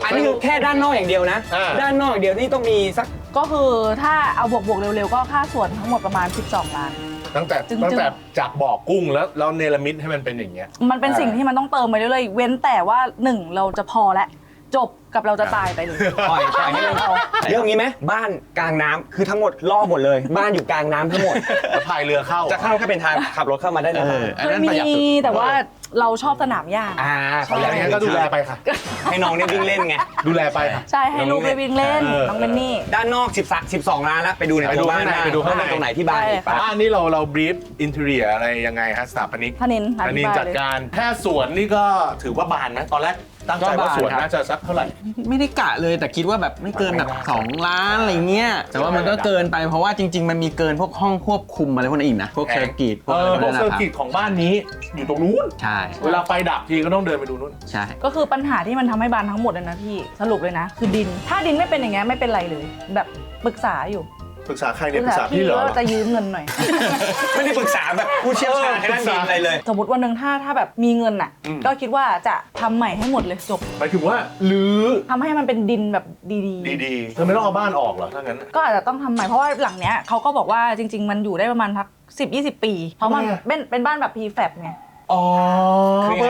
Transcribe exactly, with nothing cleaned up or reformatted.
อันนี้คือแค่ด้านนอกอย่างเดียวนะด้านนอกอย่างเดียวนี่ต้องมีสักก็คือถ้าเอาบวกๆเร็วๆก็ค่าส่วนทั้งหมดประมาณสิบสองล้านตั้งแต่ตั้งแต่จากบ่อกุ้งแล้วเราเนรมิตให้มันเป็นอย่างเงี้ยมันเป็นสิ่งที่มันต้องเติมไปเรื่อยๆเว้นแต่ว่าหนึ่งเราจะพอแล้วจบกับเราจะตายไปเลยปล่อยปล่อยให้มันเอาเรื่องนี้ไหมบ้านกลางน้ำคือทั้งหมดล่อหมดเลยบ้านอยู่กลางน้ำทั้งหมดแล้วพายเรือเข้าจะเข้าก็เป็นทางขับรถเข้ามาได้เลยเคยมีแต่ว่าเราชอบสนามหญ้าอ่าเขาอย่างนี้ก็ดูแลไปค่ะให้น้องเนี่ยวิ่งเล่นไงดูแลไปค่ะใช่ให้ลูกไปวิ่งเล่นน้องเป็นนี่ด้านนอกสิบ สิบสองล้านแล้วไปดูในตัวบ้านไปดูข้างในตรงไหนที่บ้านบ้านนี่เราเราบรีฟอินเทอร์เนียอะไรยังไงฮะสถาปนิกธนินธนินจัดการแค่สวนนี่ก็ถือว่าบานไหมตอนแรกตั้งใจว่าสวนน่าจะสักเท่าไหร่ไม่ได้กะเลยแต่คิดว่าแบบไม่เกินแบบสองล้านอะไรเงี้ยแต่ว่ามันก็เกินไปเพราะว่าจริงๆมันมีเกินพวกห้องควบคุมอะไรพวกนั้นอีกนะพวกเซอร์กิตพวกอะไรพวกนั้นเซอร์กิตของบ้านนี้อยู่ตรงนู้นใช่เวลาไฟดับทีก็ต้องเดินไปดูนู้นใช่ก็คือปัญหาที่มันทำให้บ้านทั้งหมดเลยนะพี่สรุปเลยนะคือดินถ้าดินไม่เป็นอย่างเงี้ยไม่เป็นไรเลยแบบปรึกษาอยู่ปรึกษาใครเนี่ยปรึกษาพี่เหรอจะยืมเงินหน่อยไม่ได้ปรึกษาแบบผู้เชี่ยวชาญทางด้านดินอะไรเลยสมมติวันหนึ่งถ้าถ้าแบบมีเงินอ่ะก็คิดว่าจะทำใหม่ให้หมดเลยจบหมายถึงว่าลื้อทำให้มันเป็นดินแบบดีๆดีๆเธอไม่ต้องเอาบ้านออกเหรอถ้างั้นก็อาจจะต้องทำใหม่เพราะว่าหลังเนี้ยเขาก็บอกว่าจริงๆมันอยู่ได้ประมาณพักสิบยี่สิบปีเพราะมันเป็นเป็นบ้านแบบ พี แฟบ ไงอ๋อ